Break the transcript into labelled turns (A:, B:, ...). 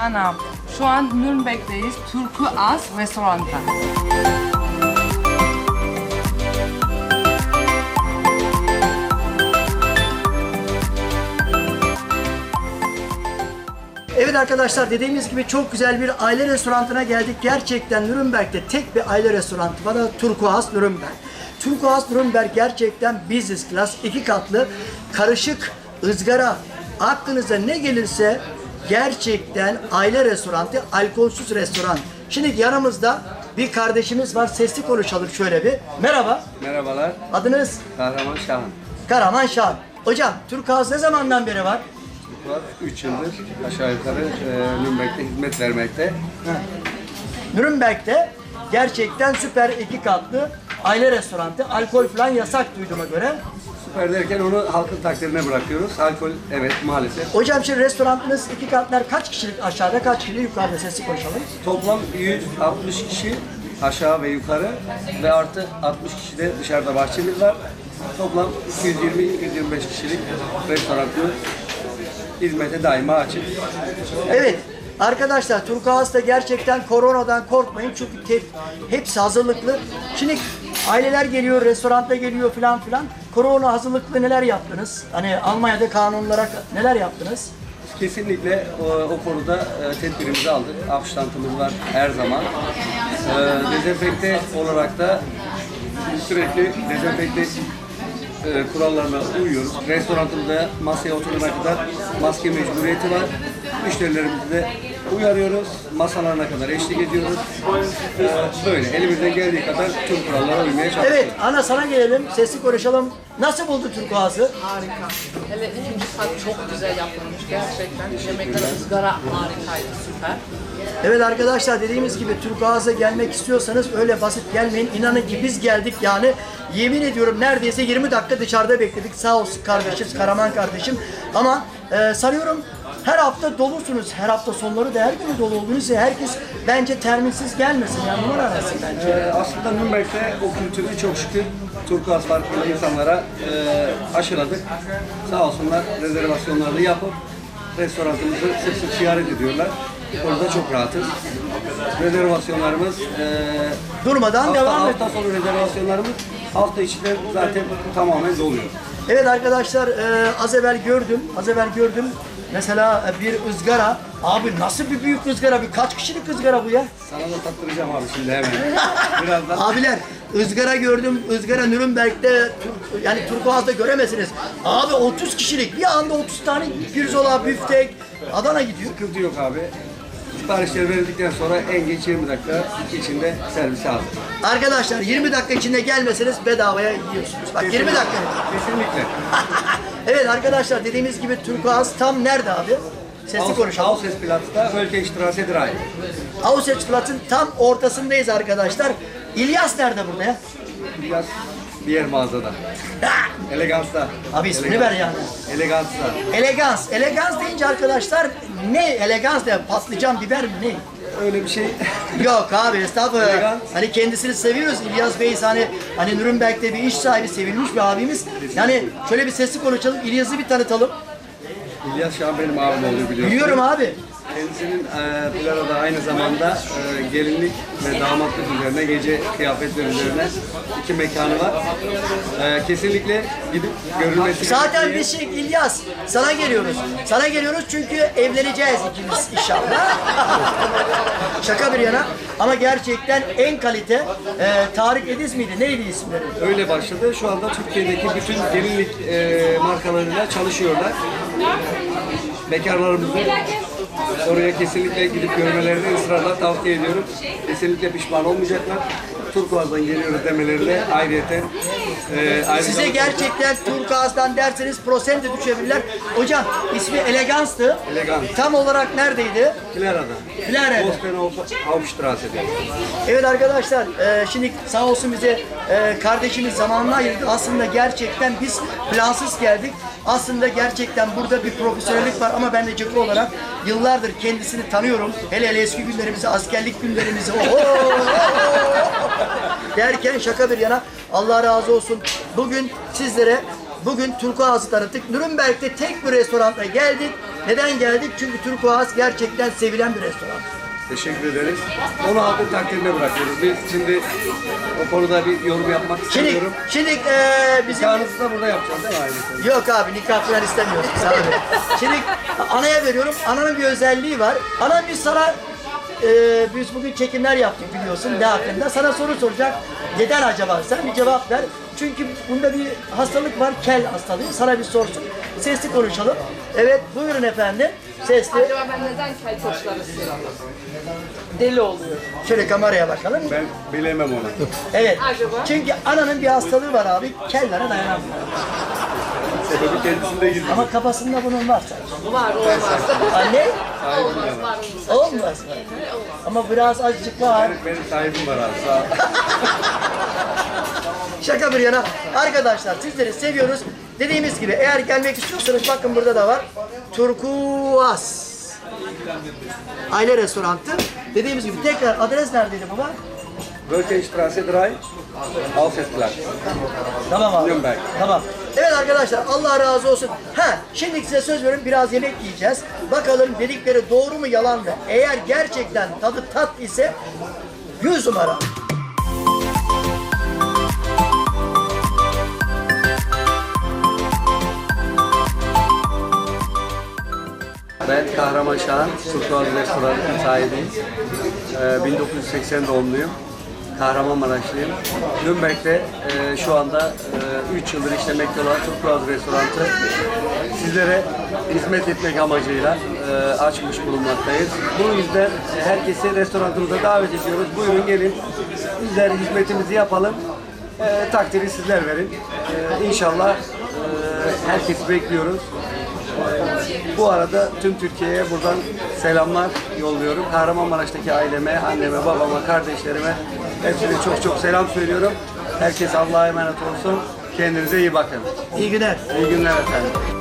A: Ana, şu an Nürnberg'deyiz. Turkuaz restoranda.
B: Evet arkadaşlar, dediğimiz gibi çok güzel bir aile restoranına geldik. Gerçekten Nürnberg'de tek bir aile restoranı var, da Turkuaz Nürnberg. Turkuaz Nürnberg gerçekten business class, 2 katlı, karışık, ızgara, aklınıza ne gelirse gerçekten aile restoranı, alkolsüz restoran. Şimdi yanımızda bir kardeşimiz var, sesli konuşalım şöyle bir. Merhaba.
C: Merhabalar,
B: Adınız?
C: Kahraman Şahan.
B: Karaman Şahan. Hocam, Turkuaz ne zamandan beri var?
C: 3 yıldır aşağı yukarı Nürnberg'de hizmet vermekte.
B: Nürnberg'de gerçekten süper 2 katlı aile restoranı. Alkol falan yasak duyduğuma göre.
C: Süper derken onu halkın takdirine bırakıyoruz. Alkol evet maalesef.
B: Hocam şimdi restoranınız 2 katlar kaç kişilik aşağıda, kaç kişilik yukarıda, sesli konuşalım.
C: Toplam 160 kişi aşağı ve yukarı ve artı 60 kişi de dışarıda bahçemiz var. Toplam 220-225 kişilik restoranımız hizmete daima açık.
B: Evet. Arkadaşlar, Turkuaz'da gerçekten koronadan korkmayın çünkü hepsi hazırlıklı. Şimdi aileler geliyor, restoranda geliyor filan filan. Korona hazırlıklı neler yaptınız? Hani Almanya'da kanun olarak neler yaptınız?
C: Kesinlikle o konuda tedbirimizi aldık. Abstantımız var her zaman. Dezenfekte olarak da sürekli dezenfekte kurallarına uyuyoruz. Restoranımızda masaya oturana kadar maske mecburiyeti var. Müşterilerimizi de uyarıyoruz. Masalarına kadar eşlik ediyoruz. Böyle elimizden geldiği kadar tüm kurallara uymaya çalışıyoruz.
B: Evet, ana sana gelelim, sesli konuşalım. Nasıl buldu Turkuaz'ı?
A: Harika. Hele ikinci kat çok güzel yapılmış gerçekten. Yemekler ızgara harikaydı, süper.
B: Evet arkadaşlar, dediğimiz gibi Turkuaz'a gelmek istiyorsanız öyle basit gelmeyin. İnanın ki biz geldik yani, yemin ediyorum neredeyse 20 dakika dışarıda bekledik. Sağ olsun kardeşim, Karaman kardeşim. Ama sanıyorum her hafta dolusunuz. Her hafta sonları da her gün dolu olduğunuz için herkes bence terminsiz gelmesin. Yani numara arasın bence.
C: Aslında Nürnberg'de o kültürü çok şükür Turkuaz farklı insanlara aşıladık. Sağ olsunlar rezervasyonlarını yapıp restoranımızı sık sık ziyaret ediyorlar. Orada çok rahatız. Rezervasyonlarımız
B: Durmadan devam ediyor.
C: hafta sonu rezervasyonlarımız hafta içinde zaten tamamen doluyor.
B: Evet arkadaşlar, az evvel gördüm. Mesela bir ızgara. Abi nasıl bir büyük ızgara? Bir kaç kişilik ızgara bu ya?
C: Sana da tattıracağım abi şimdi hemen. Birazdan.
B: Abiler, ızgara gördüm. Izgara Nürnberg'de, yani Turkuaz'da göremezsiniz. Abi 30 kişilik. Bir anda 30 tane pirzola, büftek, Adana gidiyor.
C: Sıkıntı yok abi. Siparişleri verildikten sonra en geç 20 dakika içinde servise hazır.
B: Arkadaşlar 20 dakika içinde gelmeseniz bedavaya yiyorsunuz. Bak 20 dakika.
C: Kesinlikle.
B: Evet arkadaşlar, dediğimiz gibi Turkuaz tam nerede abi? Sesli konuşalım.
C: Aussesplatz'ta Völkerstraße 3.
B: Aussesplatz'ın tam ortasındayız arkadaşlar. İlyas nerede burada ya?
C: Biraz diğer mağazada. Elegans'ta.
B: Abi ismini ver yani.
C: Elegans'ta.
B: Elegans. Elegans deyince arkadaşlar ne? Elegans de patlıcan, biber mi ne?
C: Öyle bir şey.
B: Yok abi, estağfurullah.
C: Elegans.
B: Hani kendisini seviyoruz. İlyas Bey hani Nürnberg'de bir iş sahibi, sevilmiş bir abimiz. Yani şöyle bir sesli konuşalım. İlyas'ı bir tanıtalım.
C: İlyas Şahan benim abim oluyor biliyorsun.
B: Biliyorum abi.
C: Kendisinin Pilara'da aynı zamanda gelinlik ve damatlık üzerine, gece kıyafetler üzerine 2 mekanı var. Kesinlikle gidip görülmesi
B: Zaten
C: gerektiği-
B: biz İlyas sana geliyoruz. Sana geliyoruz çünkü evleneceğiz ikimiz inşallah. Şaka bir yana. Ama gerçekten en kalite Tarık Ediz miydi? Neydi isimleri?
C: Öyle başladı. Şu anda Türkiye'deki bütün gelinlik markalarıyla çalışıyorlar. Bekarlarımızı oraya kesinlikle gidip görmelerini ısrarla tavsiye ediyorum. Kesinlikle pişman olmayacaklar. Turkuaz'dan geliyoruz demelerine ayrıyeten
B: Size gerçekten Turkuaz'dan derseniz prosente düşebilirler. Hocam ismi Elegans'tı.
C: Elegans.
B: Tam olarak neredeydi?
C: Pilara'da.
B: Pilara'da.
C: Hauptstrasse'de.
B: Evet arkadaşlar, şimdi sağ olsun bize kardeşimiz zamanını ayırdı. Aslında gerçekten biz plansız geldik. Aslında gerçekten burada bir profesyonellik var ama ben de Ceko olarak yıllardır kendisini tanıyorum. Hele hele eski günlerimizi, askerlik günlerimizi derken şaka bir yana Allah razı olsun. Bugün sizlere Turkuaz'ı tanıttık. Nürnberg'de tek bir restorana geldik. Neden geldik? Çünkü Turkuaz gerçekten sevilen bir restoran.
C: Teşekkür ederiz. Onu halkın takdirine bırakıyoruz. Biz şimdi o konuda bir yorum yapmak
B: Şimdi,
C: istemiyorum.
B: şimdi bizim...
C: Nikahınızı da burada yapacağız değil mi ailesi?
B: Yok abi nikah falan istemiyoruz biz abi. Şimdi anaya veriyorum. Ananın bir özelliği var. Ana biz sana biz bugün çekimler yaptık biliyorsun ne hakkında. Sana soru soracak. Neden acaba? Sen bir cevap ver. Çünkü bunda bir hastalık var. Kel hastalığı. Sana bir sorsun. Sesli konuşalım. Evet buyurun efendim. Sesli.
A: Acaba ben neden kel saçları siliyorum? Deli oluyor.
B: Şöyle kameraya bakalım.
C: Ben bilemem onu.
B: Evet.
A: Acaba?
B: Çünkü ananın bir hastalığı var abi. Kellere dayanamıyor.
C: Sebebi kendisinde gizli.
B: Ama kafasında bunun var sadece.
A: Var olmaz.
B: Anne
A: Olmaz var mı?
B: olmaz mı? Ama biraz azıcık var.
C: Benim sahibim var abi. Sağ ol.
B: Şaka bir yana. Arkadaşlar sizleri seviyoruz. Dediğimiz gibi eğer gelmek istiyorsanız bakın burada da var. Turkuaz. Aile restoranı. Dediğimiz gibi tekrar adres neredeydi baba?
C: Wölkenstraße 3, Alfredplatz.
B: Tamam abi.
C: Nürnberg.
B: Tamam. Evet arkadaşlar Allah razı olsun. Şimdi size söz veriyorum biraz yemek yiyeceğiz. Bakalım dedikleri doğru mu yalan mı? Eğer gerçekten tadı tat ise 100 numara.
C: Ben Kahraman Şahan, Turkuaz Restoranı'nın sahibiyim. 1980 doğumluyum. Kahramanmaraşlıyım. Nürnberg'de şu anda 3 yıldır işlemekte olan Turkuaz Restoranı sizlere hizmet etmek amacıyla açmış bulunmaktayız. Bu yüzden herkesi restoranımıza davet ediyoruz. Buyurun gelin, bizler hizmetimizi yapalım. Takdiri sizler verin. İnşallah herkesi bekliyoruz. Bu arada tüm Türkiye'ye buradan selamlar yolluyorum. Kahramanmaraş'taki aileme, anneme, babama, kardeşlerime hepsine çok çok selam söylüyorum. Herkes Allah'a emanet olsun. Kendinize iyi bakın.
B: İyi günler.
C: İyi günler efendim.